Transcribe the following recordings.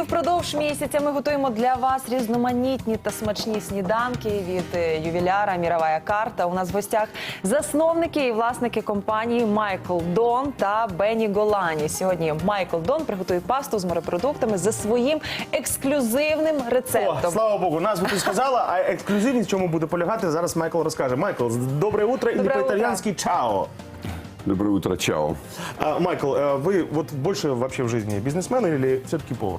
впродовж місяця ми готуємо для вас різноманітні та смачні сніданки від ювіляра «Мірова карта». У нас в гостях засновники і власники компанії Майкл Дон та Бенні Голані. Сьогодні Майкл Дон приготує пасту з морепродуктами за своїм ексклюзивним рецептом. О, слава Богу, назву ти сказала, а ексклюзивність, в чому буде полягати, зараз Майкл розкаже. Майкл, доброе утро, или по-итальянски «чао». Доброе утро, чао. Майкл, вы вот больше вообще в жизни бизнесмен или все-таки повар?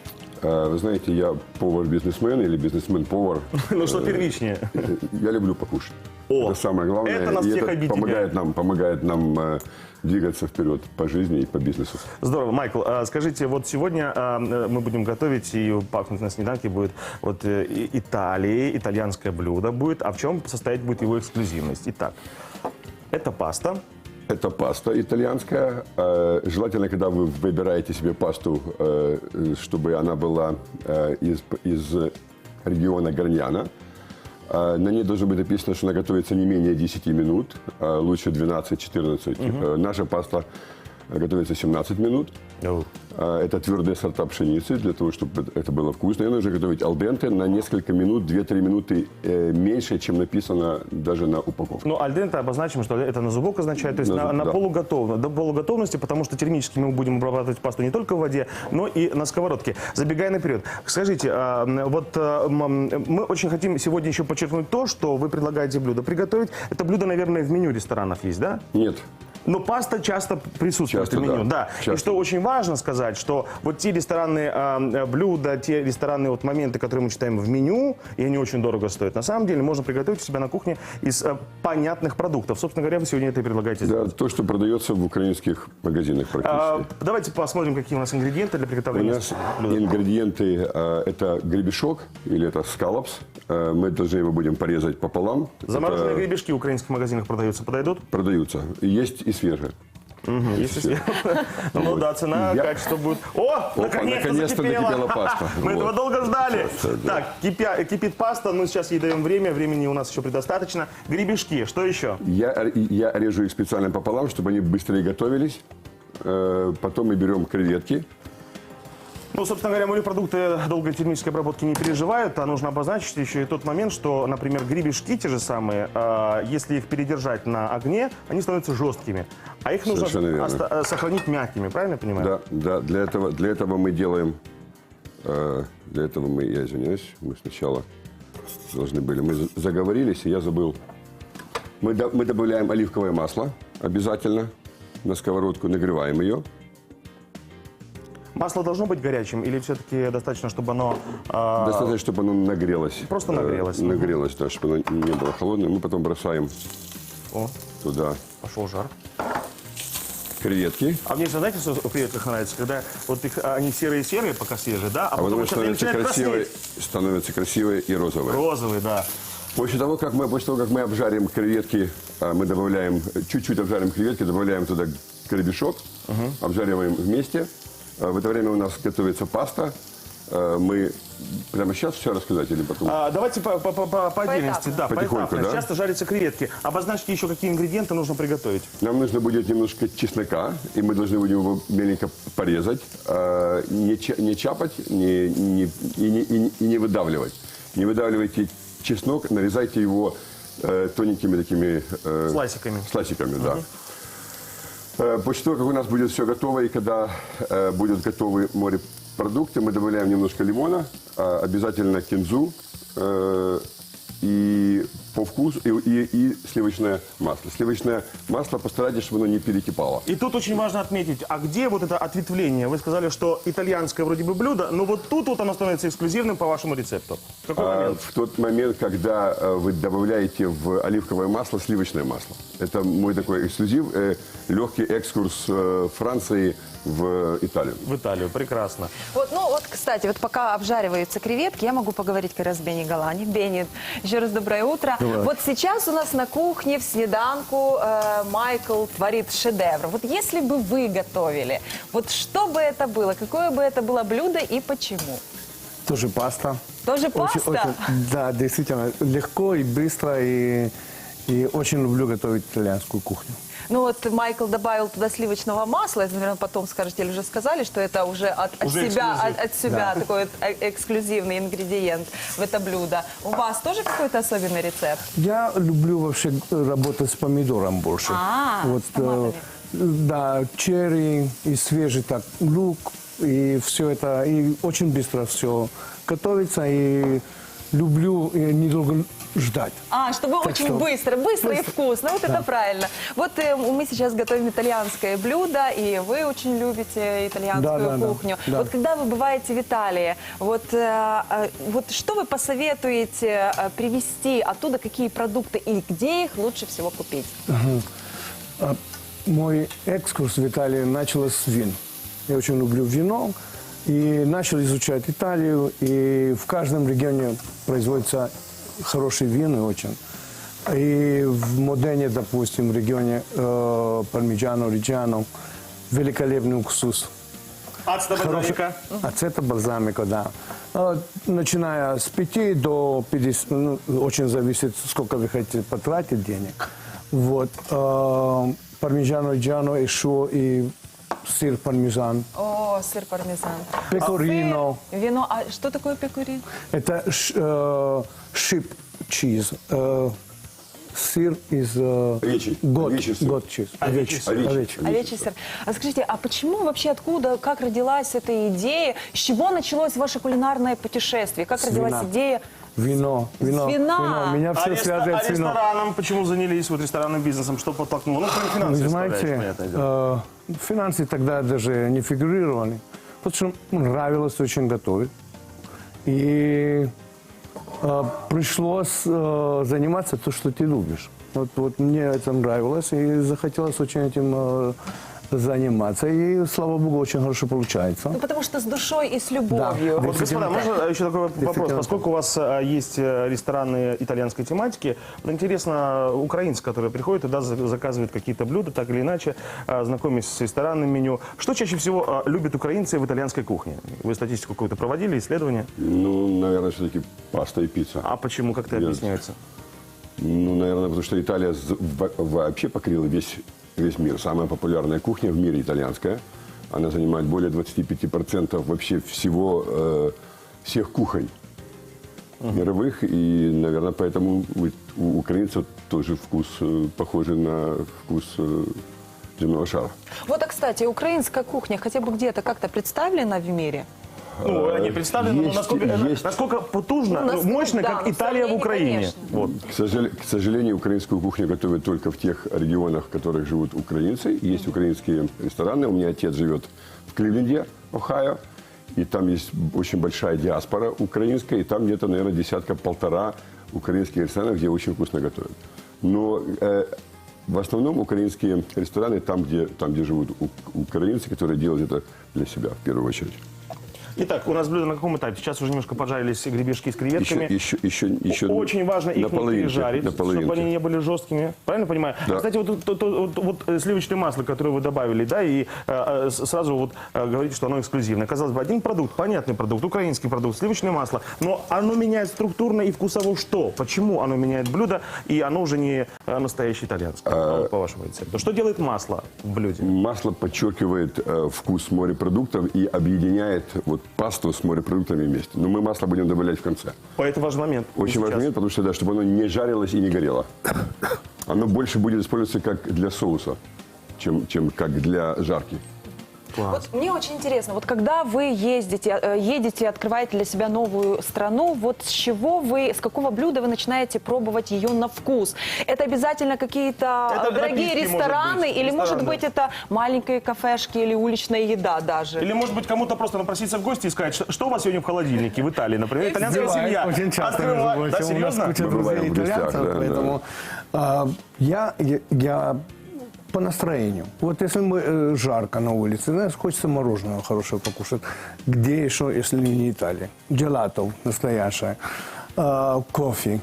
Вы знаете, я повар-бизнесмен или бизнесмен-повар. Ну что первичнее? Я люблю покушать. О, это самое главное. это нас и всех это объединяет. помогает нам двигаться вперед по жизни и по бизнесу. Здорово. Майкл, скажите, вот сегодня мы будем готовить, и пахнуть на снеданке будет вот Италии, итальянское блюдо будет. А в чем состоять будет его эксклюзивность? Итак, это паста. Это паста итальянская. Желательно, когда вы выбираете себе пасту, чтобы она была из региона Гарняна. На ней должно быть написано, что она готовится не менее 10 минут, лучше 12-14. Наша паста готовится 17 минут. Это твердые сорта пшеницы, для того, чтобы это было вкусно. Ее нужно готовить алденте на несколько минут, 2-3 минуты меньше, чем написано даже на упаковке. Ну, альденте обозначим, что это на зубок означает, то есть на до полуготовности, потому что термически мы будем обрабатывать пасту не только в воде, но и на сковородке. Забегая наперед, скажите, вот мы очень хотим сегодня еще подчеркнуть то, что вы предлагаете блюдо приготовить. Это блюдо, наверное, в меню ресторанов есть, да? Нет. Но паста часто присутствует Часто, в меню, да. Часто. И что очень важно сказать, что вот те ресторанные блюда, те ресторанные вот моменты, которые мы читаем в меню, и они очень дорого стоят, на самом деле можно приготовить у себя на кухне из понятных продуктов. Собственно говоря, вы сегодня это и предлагаете Да, сделать. то, что продается в украинских магазинах практически. Давайте посмотрим, какие у нас ингредиенты для У приготовления нас блюда. ингредиенты это гребешок или это скалопс. Мы должны его будем порезать пополам. Замороженные Это гребешки в украинских магазинах продаются, подойдут? продаются. Есть и свежие. Если ну да, цена, качество будет. О, наконец-то закипела паста. Мы этого Вот. долго ждали. Да. Так, кипит паста, мы сейчас ей даем время, времени у нас еще предостаточно. Гребешки, что еще? Я режу их специально пополам, чтобы они быстрее готовились. Потом мы берем креветки. Ну, собственно говоря, морепродукты долгой термической обработки не переживают, а нужно обозначить еще и тот момент, что, например, гребешки те же самые, если их передержать на огне, они становятся жесткими. А их нужно сохранить мягкими, правильно я понимаю? Да, для этого мы делаем, я извиняюсь, мы сначала должны были, мы заговорились, и я забыл. Мы добавляем оливковое масло обязательно на сковородку, нагреваем ее. Масло должно быть горячим или все-таки достаточно, чтобы оно... Достаточно, чтобы оно нагрелось. Просто нагрелось. Нагрелось, да, чтобы оно не было холодным. Мы потом бросаем туда Пошел жар. креветки. А мне, знаете, что в креветках нравится? Когда вот их, они серые-серые, пока свежие, да? А потом потом становятся красивые и розовые. Розовые, да. После того, как мы обжарим креветки, мы добавляем, чуть-чуть обжарим креветки, добавляем туда гребешок, обжариваем вместе. В это время у нас готовится паста. Мы прямо сейчас все рассказать или потом? Давайте по отдельности, да, Потихоньку, поэтапно. да? Сейчас жарятся креветки. Обозначьте еще, какие ингредиенты нужно приготовить. Нам нужно будет немножко чеснока, и мы должны будем его меленько порезать, не чапать и не выдавливать. Не выдавливайте чеснок, нарезайте его тоненькими такими... Слайсиками, да. После того, как у нас будет все готово, и когда будут готовы морепродукты, мы добавляем немножко лимона, обязательно кинзу и по вкусу, и сливочное масло. Сливочное масло постарайтесь, чтобы оно не перекипало. И тут очень важно отметить, а где вот это ответвление? Вы сказали, что итальянское вроде бы блюдо, но вот тут вот оно становится эксклюзивным по вашему рецепту. В какой момент? В тот момент, когда вы добавляете в оливковое масло сливочное масло. Это мой такой эксклюзив, легкий экскурс Франции в Италию. В Италию, прекрасно. Вот, кстати, вот пока обжариваются креветки, я могу поговорить как раз с Бенни Голани. Бенни, еще раз доброе утро. Доброе. Вот сейчас у нас на кухне в снеданку Майкл творит шедевр. Вот если бы вы готовили, вот что бы это было, какое бы это было блюдо и почему? Тоже паста. Тоже паста? Да, действительно, легко и быстро, и И очень люблю готовить итальянскую кухню. Ну вот Майкл добавил туда сливочного масла, это, наверное, потом скажете, или уже сказали, что это уже от Уже себя, эксклюзив. от себя такой вот эксклюзивный ингредиент в это блюдо. У вас тоже какой-то особенный рецепт? Я люблю вообще работать с помидором больше. С томатами. Да, черри и свежий так лук, и все это, и очень быстро все готовится, и люблю недолго ждать. Чтобы Так очень что- быстро и вкусно. Вот это правильно. Вот мы сейчас готовим итальянское блюдо, и вы очень любите итальянскую Да. кухню. Да. Вот когда вы бываете в Италии, вот что вы посоветуете привезти оттуда, какие продукты и где их лучше всего купить? Мой экскурс в Италии начался с вин. Я очень люблю вино. И начал изучать Италию. И в каждом регионе производятся хорошие вина очень. И в Модене, допустим, в регионе Пармиджано, Риджано, великолепный уксус. Ацта бальзамика. Ацета бальзамика, да. Начиная с 5 до 50, ну, очень зависит, сколько вы хотите потратить денег. Вот. Пармиджано Риджано еще и сыр пармезан. О, сыр пармезан. Пекорино. Сыр, вино. А что такое пекорино? Это шип чиз. Сыр из Овечий. Овечий сыр. гот чиз. Овечий сыр. Овечий. Овечий сыр. А скажите, а почему вообще, откуда, как родилась эта идея? С чего началось ваше кулинарное путешествие? Как родилась вина. идея? Вино. вина. Меня все связывает с вином. Рестораном почему занялись, вот ресторанным бизнесом, что подтолкнуло? Ну, кроме Вы финансовой знаете, составляющей, понятное дело. финансы тогда даже не фигурировали, потому что нравилось очень готовить. И пришлось заниматься то, что ты любишь. Вот мне это нравилось, и захотелось очень этим заниматься. И, слава богу, очень хорошо получается. Ну, потому что с душой и с любовью. Да. Вот, господа, можно еще такой вопрос? Действительно. Поскольку у вас есть рестораны итальянской тематики, вот интересно, украинцы, которые приходят туда, заказывают какие-то блюда, так или иначе, знакомясь с ресторанным меню. Что чаще всего любят украинцы в итальянской кухне? Вы статистику какую-то проводили, исследование? Ну, наверное, все-таки паста и пицца. А почему? Как это объясняется? Ну, наверное, потому что Италия вообще покрыла весь мир. Самая популярная кухня в мире итальянская. Она занимает более 25% вообще всех кухонь мировых. И, наверное, поэтому у украинцев тоже вкус похожий на вкус земного шара. Вот, а, кстати, украинская кухня хотя бы где-то как-то представлена в мире? Ну, они представлены, но насколько потужно, насколько, мощно, да, как но Италия в сравнение, Украине. конечно. Вот. К сожалению, украинскую кухню готовят только в тех регионах, в которых живут украинцы. Есть украинские рестораны. У меня отец живет в Кливленде, Ohio. И там есть очень большая диаспора украинская. И там где-то, наверное, десятка-полтора украинских ресторанов, где очень вкусно готовят. Но в основном украинские рестораны там, где живут украинцы, которые делают это для себя в первую очередь. Итак, у нас блюдо на каком этапе? Сейчас уже немножко пожарились гребешки с креветками. Еще Очень важно их не пережарить, на чтобы они половинке. не были жесткими. Правильно понимаю? Да. Кстати, вот сливочное масло, которое вы добавили, да, и сразу вот говорите, что оно эксклюзивное. Казалось бы, один продукт, понятный продукт, украинский продукт, сливочное масло, но оно меняет структурно и вкусово что? Почему оно меняет блюдо, и оно уже не настоящее итальянское, по вашему рецепту? Что делает масло в блюде? Масло подчеркивает вкус морепродуктов и объединяет пасту с морепродуктами вместе. Но мы масло будем добавлять в конце. Это важный момент. Очень Сейчас. важный момент, потому что, да, чтобы оно не жарилось и не горело. Оно больше будет использоваться как для соуса, чем как для жарки. Класс. Вот мне очень интересно, вот когда вы едете, открываете для себя новую страну, вот с какого блюда вы начинаете пробовать ее на вкус? Это обязательно какие-то Это дорогие напитки, рестораны, может быть, или может рестораны. быть это маленькие кафешки или уличная еда даже? Или, может быть, кому-то просто напроситься в гости и сказать, что у вас сегодня в холодильнике в Италии, например, итальянская Бывает семья. очень часто, Открывает. между Да, прочим. У нас серьезно? куча Мы друзей бываем в гостях, итальянцев, да, поэтому я по настроению. Вот если мы жарко на улице, знаешь, хочется мороженого хорошего покушать. Где еще, если не Италия? Джелато настоящее, кофе,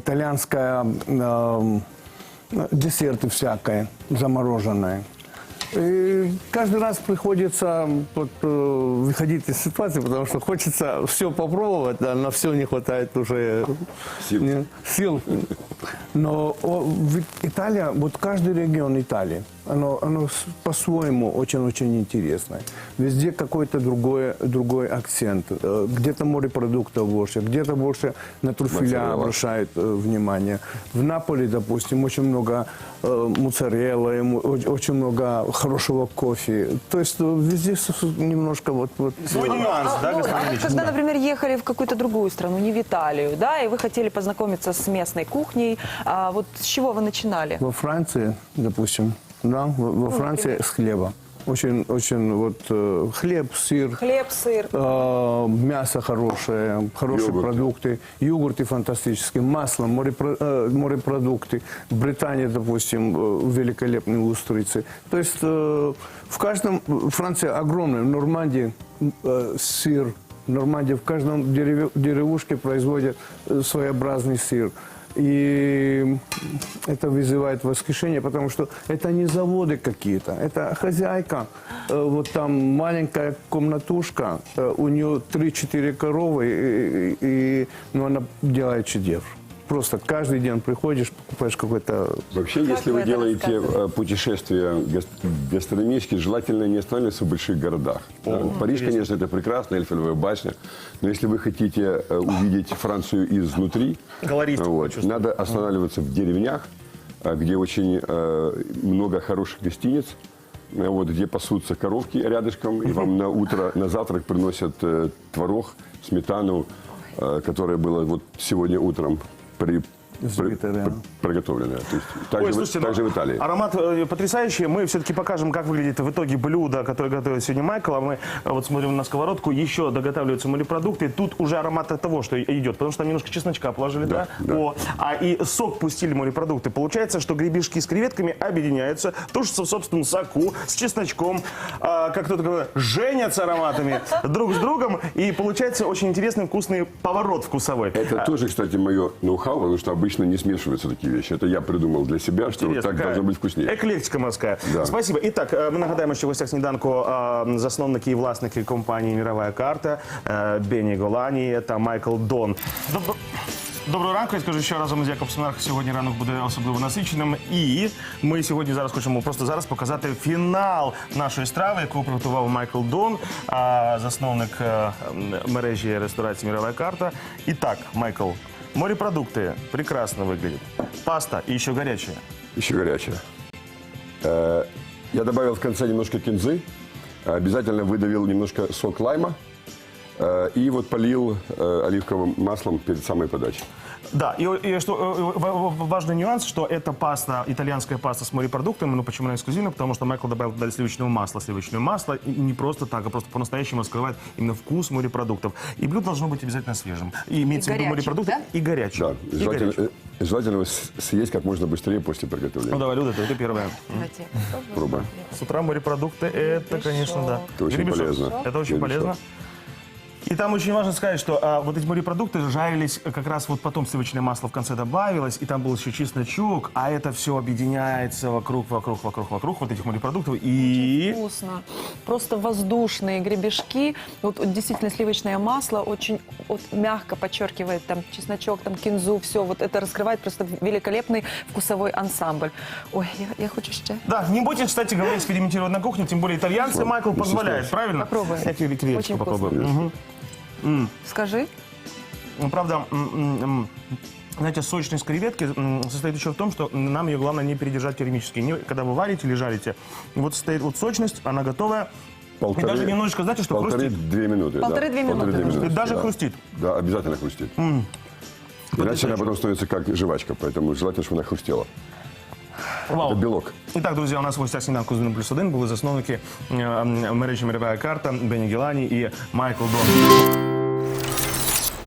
итальянская, десерты всякое, замороженное. И каждый раз приходится вот, выходить из ситуации, потому что хочется все попробовать, а на все не хватает уже сил. Но Италия, вот каждый регион Италии, оно по-своему очень-очень интересное. Везде какой-то другой акцент. Где-то морепродуктов больше, где-то больше на трюфеля обращают внимание. В Наполе, допустим, очень много моцареллы, очень много хорошего кофе. То есть везде немножко вот... Свой нюанс, да, А господин Ильич? когда, например, ехали в какую-то другую страну, не в Италию, да, и вы хотели познакомиться с местной кухней, вот с чего вы начинали? Во Франции, допустим, да, во Франции с хлеба. Очень вот хлеб, сыр. Хлеб, сыр. Мясо хорошее, хорошие продукты, йогурты фантастические, масло, морепродукты. В Британии, допустим, великолепные устрицы. То есть в каждом, Франция огромная, в Нормандии сыр, в Нормандии в каждом деревушке производят своеобразный сыр. И это вызывает восхищение, потому что это не заводы какие-то, это хозяйка. Вот там маленькая комнатушка, у нее 3-4 коровы, но она делает чудес. Просто каждый день приходишь, покупаешь какой-то... Вообще, если вы делаете путешествия гастрономические, желательно не останавливаться в больших городах. Париж, конечно, это прекрасно, Эйфелевая башня. Но если вы хотите увидеть Францию изнутри, надо останавливаться в деревнях, где очень много хороших гостиниц, где пасутся коровки рядышком, и вам на утро, на завтрак приносят творог, сметану, которая была вот сегодня утром приготовленная. То есть, также в Италии. Аромат потрясающий. Мы все-таки покажем, как выглядит в итоге блюдо, которое готовит сегодня Майкл. А мы вот смотрим на сковородку. Еще доготавливаются морепродукты. Тут уже аромат от того, что идет. Потому что там немножко чесночка положили, да? И сок пустили морепродукты. Получается, что гребешки с креветками объединяются, тушатся в собственном соку, с чесночком, как кто-то говорит, женятся ароматами друг с другом. И получается очень интересный вкусный поворот вкусовой. Это тоже, кстати, мое ноу-хау, потому что обычно не смешиваются такие вещи. Это я придумал для себя, что вот так должно быть вкуснее. Еклектика морська. Да. Спасибо. Итак, ми нагадаємо, що в гостях сніданку засновники і власники компанії «Мірова карта» Бені Голані та Майкл Дон. Доброго ранку, я скажу, що разом з Якобсом Арх сьогодні ранок буде особливо насиченим. І ми сьогодні зараз хочемо просто зараз показати фінал нашої страви, яку приготував Майкл Дон, засновник мережі ресторації «Мірова карта». І так, Майкл, морепродукты прекрасно выглядят. Паста и еще горячая. Еще горячая. Я добавил в конце немножко кинзы. Обязательно выдавил немножко сок лайма. И вот полил оливковым маслом перед самой подачей. Да, и что важный нюанс, что это паста, итальянская паста с морепродуктами, ну почему она эксклюзивна? Потому что Майкл добавил туда сливочное масло, и не просто так, а просто по-настоящему раскрывает именно вкус морепродуктов. И блюдо должно быть обязательно свежим. И имеется в виду морепродукты, да? И горячим. Да, желательно его съесть как можно быстрее после приготовления. Ну давай, Люда, ты первая. Пробуем. С утра морепродукты, это, конечно, да. Это очень полезно. Это очень полезно. И там очень важно сказать, что вот эти морепродукты жарились, как раз вот потом сливочное масло в конце добавилось, и там был еще чесночок, а это все объединяется вокруг вот этих морепродуктов. И... Очень вкусно. Просто воздушные гребешки. Вот действительно сливочное масло очень вот, мягко подчеркивает там чесночок, там кинзу, все. Вот это раскрывает просто великолепный вкусовой ансамбль. Ой, я хочу еще. Да, не бойтесь, кстати говоря, экспериментировать на кухне, тем более итальянцы, Майкл позволяет, правильно? Попробуем. Я тебе креветочку попробую. Угу. Скажи. Ну, правда, знаете, сочность креветки состоит еще в том, что нам ее главное не передержать термически. Когда вы варите или жарите, вот стоит вот сочность, она готовая. И даже немножечко, знаете, что хрустит? 1,5-2 минуты. Полторы-две минуты. И даже хрустит. Да, обязательно хрустит. Иначе она потом становится как жвачка, поэтому желательно, чтобы она хрустела. Вау. Это белок. Итак, друзья, у нас в гостях сніданку з 1+1 були засновники мережі «Мірова карта» Бені Голані і Майкл Дон.